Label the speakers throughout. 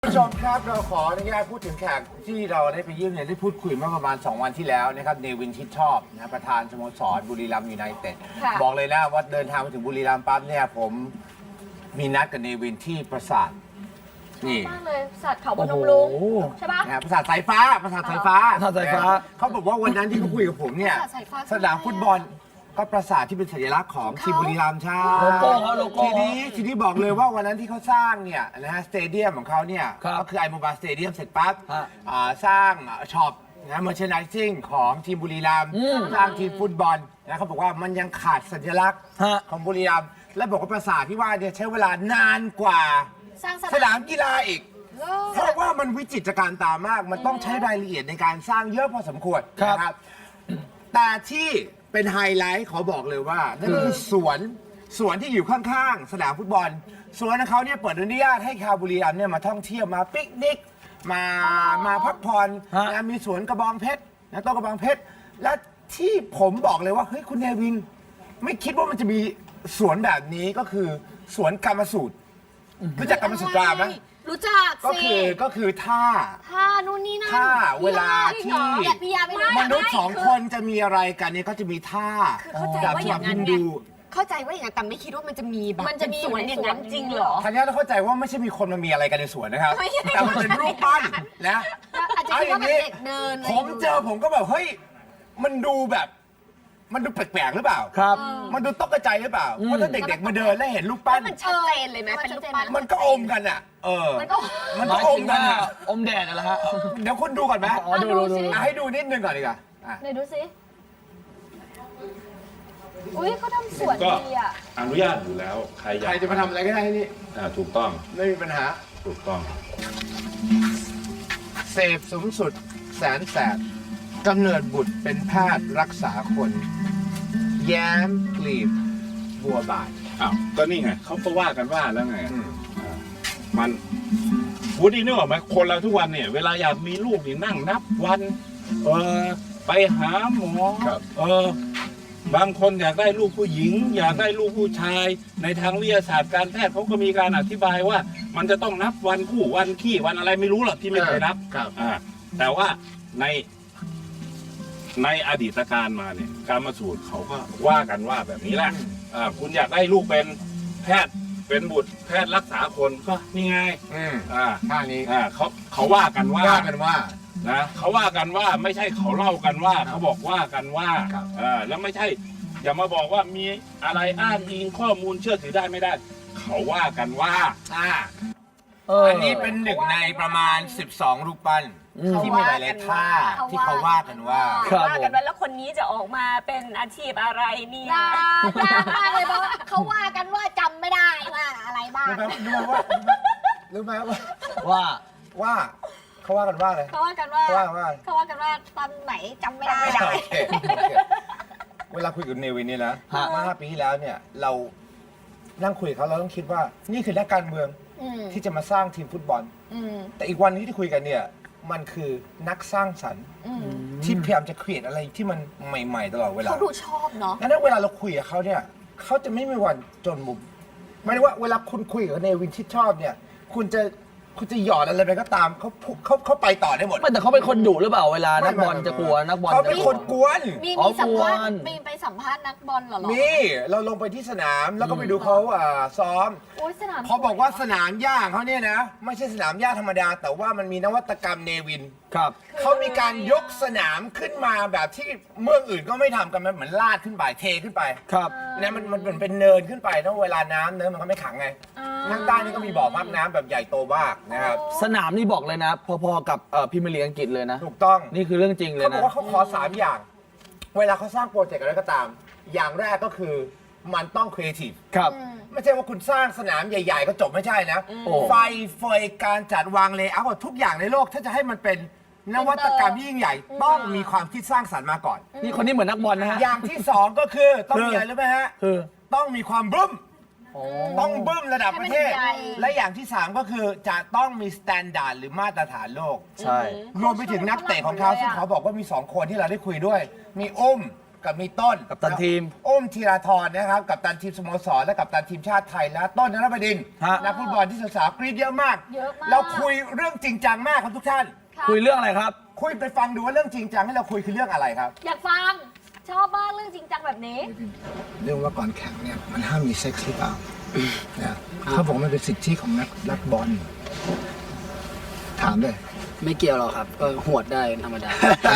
Speaker 1: ผู้ชมครับเราขออนุญาตพูดถึงแขกที่เราได้ไปเยี่ยมเนี่ยได้พูดคุยเมื่อประมาณ2 วันที่แล้วนะครับเนวินชิดชอบนะประธานสโมสรบุรีรัมย์ยูไนเต็ดบอกเลยนะว่าเดินทางมาถึงบุรีรัมย์ปั๊บเนี่ยผมมีนัดกับเนวินที่ปราสาทนี่
Speaker 2: มากเลยสัตว์เขาพนมรุ้งใช่ปะ
Speaker 1: ปราสาทสายฟ้าเขาบอกว่าวันนั้นที่เขาคุยกับผมเนี่ยสนามฟุตบอลก็ปราสาทที่เป็นสัญลักษณ์ของทีมบุรีรัมย์ใช่
Speaker 3: โลโก้เขาโลโก้
Speaker 1: ทีนี้บอกเลยว่าวันนั้นที่เขาสร้างเนี่ยนะฮะสเตเดียมของเขาเนี่ยก็คือไอโมบาสเตเดียมเสร็จปั๊บสร้างช็อปนะเมอร์เชนไดซิ่งของทีมบุรีรัมย์สร้างทีมฟุตบอลนะเขาบอกว่ามันยังขาดสัญลักษณ์ของบุรีรัมย์และบอกว่าปราสาทที่ว่าเนี่ยใช้เวลานานกว่าสนามกีฬาอีกเพราะว่ามันวิจิตรการตามาก มันต้องใช้รายละเอียดในการสร้างเยอะพอสมควรนะครับแต่ที่เป็นไฮไลท์ขอบอกเลยว่านั่นคือสวนที่อยู่ข้างๆสนามฟุตบอลสวนของเขาเนี่ยเปิดอนุญาตให้ชาวบุรีรัมย์เนี่ยมาท่องเที่ยวมาปิกนิกมาพักผ่อนนะมีสวนกระบองเพชรนะต้นกระบองเพชรและที่ผมบอกเลยว่าเฮ้ยคุณเนวินไม่คิดว่ามันจะมีสวนแบบนี้ก็คือสวนกรรมสูตรรู้จักกรรมสูตราไหม
Speaker 2: รู้จัก
Speaker 1: สิก็คือท่า
Speaker 2: นู่นนี่นั่น
Speaker 1: ท่าเวลาที่มนุษย์2 คนจะมีอะไรกันเนี่ยก็จะมีท่าแบบที่แบบดู
Speaker 2: เข้าใจว่าอย่างนั้นแต่ไม่คิดว่ามันจะมีแบบมันจะมีสวนอย่างนั้นจริงเหรอ
Speaker 1: ทันยาต้องเข้าใจว่าไม่ใช่มีคนมามีอะไรกันในสวนนะครับแต่มันเป็นรูปปั้นนะ
Speaker 2: อาจจะคิดว่าเป็นเด็กเดิน
Speaker 1: ผมก็แบบเฮ้ยมันดูแบบมันดูแปลกๆหรือเปล่า
Speaker 3: ครับ
Speaker 1: มันดูตกใจหรือเปล่าเพราะถ้าเด็กๆมาเดินแล้วเห็นรูปปั้น
Speaker 2: มันชัดเจนเลยไหมเป็นรูปปั้น
Speaker 1: มันก็อมกันอ่ะมันก็อมกันอ่ะ
Speaker 3: อมแดดอะไรฮะ
Speaker 1: เดี๋ยวคุณดูก่อนไหม
Speaker 3: ดู
Speaker 1: ให้ดูนิดนึงก่อนดีกว่า
Speaker 2: ไหนดูสิอุ้ยเขาทำสวนดีอ่ะ
Speaker 4: อนุญาตอยู่แล้วใคร
Speaker 1: จะมาทำอะไรก็ได้นี่
Speaker 4: ถูกต้อง
Speaker 1: ไม่มีปัญหา
Speaker 4: ถูกต้อง
Speaker 1: เสพสูงสุดแสนแสบกำเนิดบุตรเป็นแพทย์รักษาคนแย้มกลีบบัวบาน
Speaker 4: ก็นี่ไงเขาก็ว่ากันว่าแล้วไงมันวูดดี้นึกออกไหมคนเราทุกวันเนี่ยเวลาอยากมีลูกนี่นั่งนับวันไปหาหมอบางคนอยากได้ลูกผู้หญิงอยากได้ลูกผู้ชายในทางวิทยาศาสตร์การแพทย์เขาก็มีการอธิบายว่ามันจะต้องนับวันคู่วันขี้วันอะไรไม่รู้หรอกที่ไม่เคยนับแต่ว่าในอดีตการมาเนี่ยการมาสูตรเขาก็ว่ากันว่าแบบนี้แหละคุณอยากได้ลูกเป็นแพทย์เป็นบุตรแพทย์รักษาคนก็นี่ไง
Speaker 1: ท่านี้
Speaker 4: เขาว่ากันว่านะเขาว่ากันว่าไม่ใช่เขาเล่ากันว่าเขาบอกว่ากันว่าแล้วไม่ใช่อย่ามาบอกว่ามีอะไรอ้างอิงข้อมูลเชื่อถือได้ไม่ได้เขาว่ากันว่า
Speaker 1: อันนี้เป็นหนึ่งในประมาณ12 รูปปั้นที่มีหลายๆท่าที่เขาว่ากันว่า
Speaker 2: แล้วคนนี้จะออกมาเป็นอาชีพอะไรเนี่ยยากมากเลยเพราะเขาว่ากันว่าจำไม่ได้ว่าอะไรบ้าง
Speaker 1: รู้ไหม
Speaker 3: ว่า
Speaker 1: เขาว่ากันว่าเลย
Speaker 2: เขาว่ากันว่าตอนไหนจำไม่ได้
Speaker 1: เวลาคุยกับเนวินนี่นะเมื่อ5 ปีที่แล้วเนี่ยเรานั่งคุยกับเขาเราต้องคิดว่านี่คือนักการเมืองที่จะมาสร้างทีมฟุตบอลแต่อีกวันนี้ที่คุยกันเนี่ยมันคือนักสร้างสรรค์ที่พยายามจะครีเอทอะไรที่มันใหม่ๆตลอดเวลา
Speaker 2: เขาดูชอบเนาะ
Speaker 1: งั้นเวลาเราคุยกับเขาเนี่ยเขาจะไม่มีวันจนมุมหมายถึงว่าเวลาคุณคุยกับเนวินที่ชอบเนี่ยคุณจะหยอดอะไรไปก็ตามเขาไปต่อได้หมด
Speaker 3: ไม่แต่เขาเป็นคนดุหรือเปล่าเวลานักบอลจะกลัวนักบอล
Speaker 1: เขาเป็นคนกวน
Speaker 2: มีสัมภาษณ์ไปสัมภาษณ์นักบอลเหรอ
Speaker 1: มีเราลงไปที่สนามแล้วก็ไปดูเขาซ้อมเขาบอกว่าสนามหญ้าเขาเนี่ยนะไม่ใช่สนามหญ้าธรรมดาแต่ว่ามันมีนวัตกรรมเนวินเขามีการยกสนามขึ้นมาแบบที่เมืองอื่นก็ไม่ทำกันมันเหมือนลาดขึ้นไปเทขึ้นไปเนี่ยมันเหมือนเป็นเนินขึ้นไปนะเวลาน้ำเนินมันก็ไม่ขังไงทางใต้นี่ก็มีบ่อพักน้ำแบบใหญ่โตมากนะครับ
Speaker 3: สนามนี่บอกเลยนะพอๆกับพรีเมียร์ลีกอังกฤษเลยนะ
Speaker 1: ถูกต้อง
Speaker 3: นี่คือเรื่องจริงเลยนะ
Speaker 1: เขาบอกว่าเขาขอ3 อย่างเวลาเขาสร้างโปรเจกต์อะไรก็ตามอย่างแรกก็คือมันต้องครีเอทีฟไม่ใช่ว่าคุณสร้างสนามใหญ่ๆก็จบไม่ใช่นะไฟเฟยการจัดวางเลเยอร์ทุกอย่างในโลกถ้าจะให้มันเป็นนวัตกรรมที่ยิ่งใหญ่ต้องมีความคิดสร้างสรรค์มาก่อน
Speaker 3: นี่คนนี้เหมือนนักบอลนะฮะ
Speaker 1: อย่างที่2ก็คือต้องมีอะไรรู้ไหมฮะต้องมีความบึ้มต้องบึ้มระดับประเทศและอย่างที่3ก็คือจะต้องมีมาตรฐานหรือมาตรฐานโลก
Speaker 3: ใช่
Speaker 1: รวมไปถึงนักเตะของเขาซึ่งเขาบอกว่ามี2 คนที่เราได้คุยด้วยมีกับมีต้น
Speaker 3: กัปตันทีม
Speaker 1: อุ้มธีราธรนะครับกัปตันทีมสโมสรและกัปตันทีมชาติไทยและต้นนรบดินทร์
Speaker 3: ฮะ
Speaker 1: นักฟุตบอลที่สาวๆกรี๊ดเยอะมาก
Speaker 2: เยอะมาก
Speaker 1: เราคุยเรื่องจริงจังมากครับทุกท่าน
Speaker 2: ค่ะ
Speaker 3: คุยเรื่องอะไรครับ
Speaker 1: คุยไปฟังดูว่าเรื่องจริงจังให้เราคุยคือเรื่องอะไรครับ
Speaker 2: อยากฟัง ชอบมากเรื่องจริงจังแบบนี้
Speaker 1: เรื่องว่าก่อนแข่งเนี่ยมันห้ามมีเซ็กซ์หรือเปล่านะเขาบอกมันเป็นสิทธิของนักบอลถามเลย
Speaker 5: ไม่เกี่ยวหรอกครับ ก็หวดได้ธรรมดา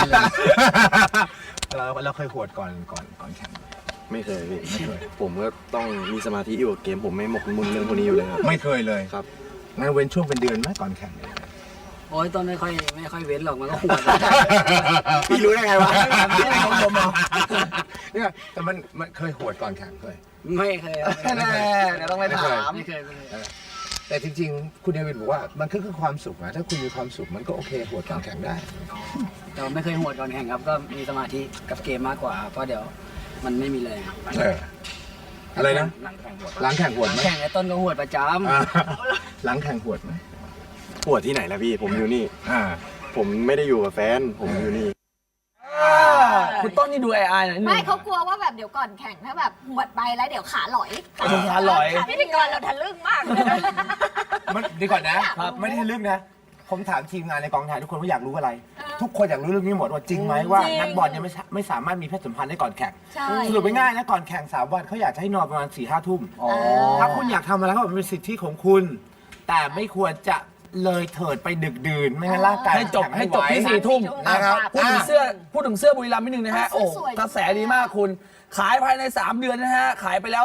Speaker 1: เราเคยหวดก่อนแข่ง
Speaker 6: ไม่เคยพี่
Speaker 1: ไม่เคย
Speaker 6: ผมก็ต้องมีสมาธิอยู่กับเกม ผมไม่หมกมุ่นเรื่องพวกนี้อยู่เลยครับ
Speaker 1: ไม่เคยเลย
Speaker 6: ครับ
Speaker 1: งั้นเว้นช่วงเป็นเดือนไหมก่อนแข่งเนี่ย
Speaker 5: โอ้ยต้นไม่ค่อยเว้นหรอกมันก็หวด
Speaker 1: พี่รู้ได้ไงวะพี่ไม่ของผมเหรอเนี่ยแต่มันเคยหวดก่อนแข่งเคย
Speaker 5: ไม่เคยครับ
Speaker 3: แน่เดี๋ยวต้องไปถาม
Speaker 5: ไม่เคย
Speaker 1: แต่จริงๆ คุณเดวิดบอกว่ามันคือความสุขนะถ้าคุณมีความสุขมันก็โอเคหวดก่อนแข่งได้
Speaker 5: แต่ว่าไม่เคยหวดก่อนแข่งครับ ก็มีสมาธิกับเกมมากกว่า เพราะเดี๋ยวมันไม่มีแรง
Speaker 1: อะไรนะ
Speaker 5: หลังแข่งหวด
Speaker 1: หลังแข่งหวดไหม
Speaker 5: แข่งไอ้ต้นก็หวดประจ
Speaker 1: อ่าหลังแข่งหวดไหม
Speaker 6: ปวดที่ไหนล่ะพี่ ผมอยู่นี่
Speaker 1: อ่า
Speaker 6: ผมไม่ได้อยู่กับแฟน ผมอยู่นี่
Speaker 3: คุณต้นนี่ดูไอหน่อยนิดนึง
Speaker 2: ไม่เขากลัวว่าแบบเดี๋ยวก่อนแข่งถ้าแบบหวดไปแล้วเดี๋ยวขาหลอย
Speaker 3: ขาหลอย
Speaker 2: พิธีกรเราทะลึ่งมากเลย
Speaker 1: มันดีก่อนนะไม่ได้ทะลึ่งนะ ผมถามทีมงานในกองถ่ายทุกคนว่าอยากรู้อะไร ทุกคนอยากรู้เรื่องนี้หมดว่าจริงไหมว่า
Speaker 2: จริง
Speaker 1: นักบอลยังไม่สามารถมีเพศสัมพันธ์ได้ก่อนแข่ง
Speaker 2: ใช่
Speaker 1: สรุปง่ายๆนะก่อนแข่ง3 วันเขาอยากจะให้นอนประมาณ4-5 ทุ่ม
Speaker 3: อ๋อ
Speaker 1: ถ้าคุณอยากทำอะไรก็บอกมันเป็นสิทธิของคุณ แต่ไม่ควรจะเลยเถิดไปดึกดื่นไม่งั้นร่างกาย
Speaker 3: ให้จบ
Speaker 1: แข็ง
Speaker 3: ให้
Speaker 1: ไม่
Speaker 3: จบ
Speaker 1: ไหว
Speaker 3: ที่4 ทุ่ม
Speaker 1: นะครับ
Speaker 3: พูดถึงเสื้อบุรีรัมย์นิดนึงนะฮะ โอ้
Speaker 2: สวยๆ
Speaker 3: กระแสดีมากคุณ ขายภายใน 3 เดือนนะฮะ ขายไปแล้ว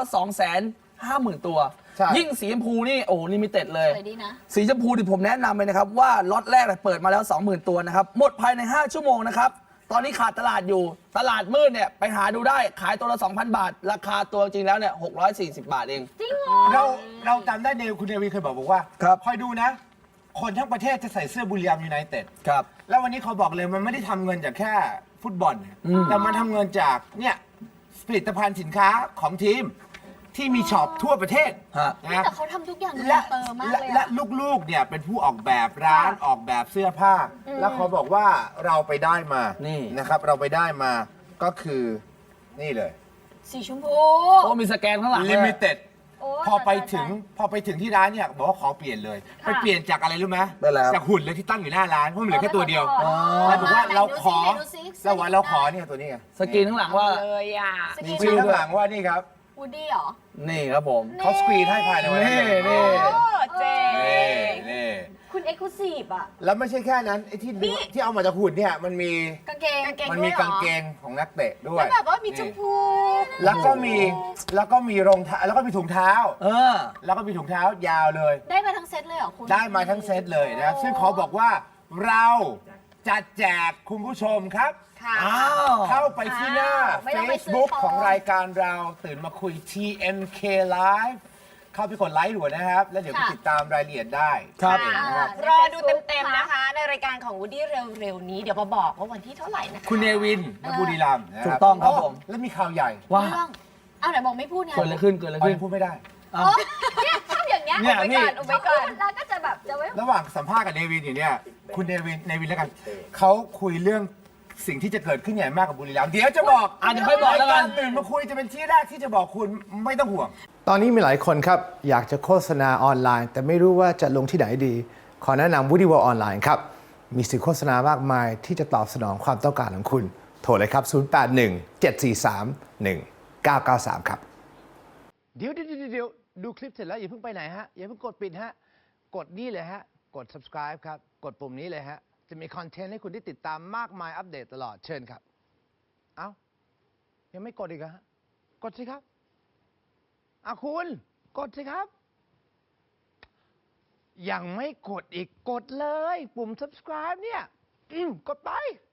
Speaker 3: 250,000 ตัว
Speaker 1: ใช่
Speaker 3: ยิ่งสีชมพูนี่ โอ้ลิมิเต็ดเลย
Speaker 2: สวยดีนะ
Speaker 3: สีชมพูที่ผมแนะนำเลยนะครับ ว่าล็อตแรกเปิดมาแล้ว 20,000 ตัวนะครับ หมดภายใน 5 ชั่วโมงนะครับ ตอนนี้ขาดตลาดอยู่ ตลาดมืดเนี่ยไปหาดูได้ ขายตัวละ 2,000 บาท ราคาตัวจริงแล้วเนี่ย640 บาทเอง
Speaker 2: จริงเหรอ
Speaker 1: เราจำได้คุณเดวีเคยบอกว่า
Speaker 3: ครับ
Speaker 1: คอยดูนะ คนทั้งประเทศจะใส่เสื้อบุรีรัมย์ยูไนเต็ด
Speaker 3: ครับ
Speaker 1: แล้ววันนี้เขาบอกเลยมันไม่ได้ทำเงินจากแค่ฟุตบอลเนี่ยแต่มันทำเงินจากเนี่ยผลิตภัณฑ์สินค้าของทีมที่มีช็อปทั่วประเทศ
Speaker 3: ฮะ
Speaker 1: นะ
Speaker 2: แต่เขาทำทุกอย่างดู
Speaker 1: และ
Speaker 2: เติมมากเลย
Speaker 1: และ
Speaker 2: อะ
Speaker 1: ลูกๆเนี่ยเป็นผู้ออกแบบร้านออกแบบเสื้อผ้า แล้วเขาบอกว่าเราไปได้มา
Speaker 3: นี่
Speaker 1: นะครับ เราไปได้มาก็คือนี่เลย
Speaker 2: สีชมพู
Speaker 3: โอ้มีสแกนข้างหลัง
Speaker 1: ลิ
Speaker 3: เลย
Speaker 1: มิเต็ด
Speaker 2: โอ้
Speaker 1: พอไปถึงที่ร้านเนี่ยบอกว่าขอเปลี่ยนเลย ไปเปลี่ยนจากอะไรรู้ไหม
Speaker 3: ได้แล้ว
Speaker 1: จากหุ่นเลยที่ตั้งอยู่หน้าร้านเพราะมันเหลือแค่ตัวเดียว
Speaker 2: อ๋อ
Speaker 1: แล้วบอกว่าเราขอ
Speaker 2: ไหนดูสิไหนดูสิ
Speaker 1: เราว่าเราขอเนี่ยตัวนี้ไง
Speaker 3: สกรีนข้างหลังว่า
Speaker 2: เลยอ่ะส
Speaker 1: มี
Speaker 2: กิน
Speaker 1: ชื่อข้างหลังว่านี่ครับ
Speaker 2: วูดดี้เหรอ
Speaker 3: นี่ครับผม
Speaker 1: เขาสกรีนให้ภายในวันนี้
Speaker 3: นี่
Speaker 2: เจ๋ง
Speaker 1: นี่
Speaker 2: คุณเอ็กซ์คลูซีฟอ่ะ
Speaker 1: แล้วไม่ใช่แค่นั้นไอ้ที่เอามาจากหุ่นเนี่ยมันมี
Speaker 2: กางเกง
Speaker 1: มันมีกางเกงของนักเตะด้ว
Speaker 2: แล้
Speaker 1: ยว
Speaker 2: แบบว่ามีชมพู
Speaker 1: แล้วก็มีรองเท้าแล้วก็มีถุงเท้า
Speaker 3: เออ
Speaker 1: แล้วก็มีถุงเท้ายาวเลย
Speaker 2: ได้มาทั้งเซตเลยเหรอคุณ
Speaker 1: ได้มาทั้งเซตเลยนะครับซึ่งเขาบอกว่าเราจะแจกคุณผู้ชมครับ
Speaker 2: ค่ะ
Speaker 3: อ้าว
Speaker 1: เข้าไปที่หน้า
Speaker 2: ไม่ต้องไปซื้อ
Speaker 1: Facebook
Speaker 2: ของ
Speaker 1: ของรายการเราตื่นมาคุย TMK Live เข้าไปกดไลค์ด่วนนะครับ แล้วเดี๋ยวไปติดตามรายละเอียดได้
Speaker 3: ครับ
Speaker 1: นะครับ
Speaker 2: รอดูเต็มๆนะคะ ในรายการของวูดดี้เร็วๆนี้ เดี๋ยวมาบอกว่าวันที่เท่าไหร่นะคะ
Speaker 1: คุณเนวินและบุรีรัมย์นะค
Speaker 3: ถู
Speaker 1: รั
Speaker 3: กต้องครับผม
Speaker 1: แล้วมีข่าวใหญ่
Speaker 3: ว่า
Speaker 2: เรื่องเอาไหนบอกไม่พูดไง
Speaker 3: เกิดอะไรขึ้น เกิดอะไร
Speaker 1: อ๋อ
Speaker 3: ขึ้น
Speaker 1: ยังพูดไม่ได้
Speaker 3: อ้าว
Speaker 2: โอ๊ยเนี่ยชอบอย่างเงี้ย
Speaker 3: เนี่ย
Speaker 2: อุบไว้ก่อนอุบไว้ก่อนแล้วก็จะแบบจะไว้
Speaker 1: ระหว่างสัมภาษณ์กับเนวินอยู่เนี่ย คุณเนวินแล้วกัน เขาคุยเรื่องสิ่งที่จะเกิดขึ้นใหญ่มากกับบุรีรัมย์เดี๋ยวจะบอก
Speaker 3: เดี๋ยวค่อยบอกแล้วกัน
Speaker 1: รายารตื่นมาคุยจะเป็นที่แรกที่จะบอกคุณไม่ต้องห่วง
Speaker 7: ตอนนี้มีหลายคนครับ อยากจะโฆษณาออนไลน์ แต่ไม่รู้ว่าจะลงที่ไหนดี ขอแนะนำ Woody World ออนไลน์ครับ มีสื่อโฆษณามากมายที่จะตอบสนองความต้องการของคุณ โทรเลยครับ 0817431993 ครับ เดี๋ยวดูคลิปเสร็จแล้วอย่าเพิ่งไปไหนฮะ อย่าเพิ่งกดปิดฮะ กดนี่เลยฮะ กด subscribe ครับ กดปุ่มนี้เลยฮะ จะมีคอนเทนต์ให้คุณได้ติดตามมากมายอัปเดตตลอดเชิญครับ เอ้า ยังไม่กดอีกเหรอฮะ กดสิครับ คุณกดสิครับ ยังไม่กดอีกกดเลย ปุ่ม subscribe เนี่ย กดไป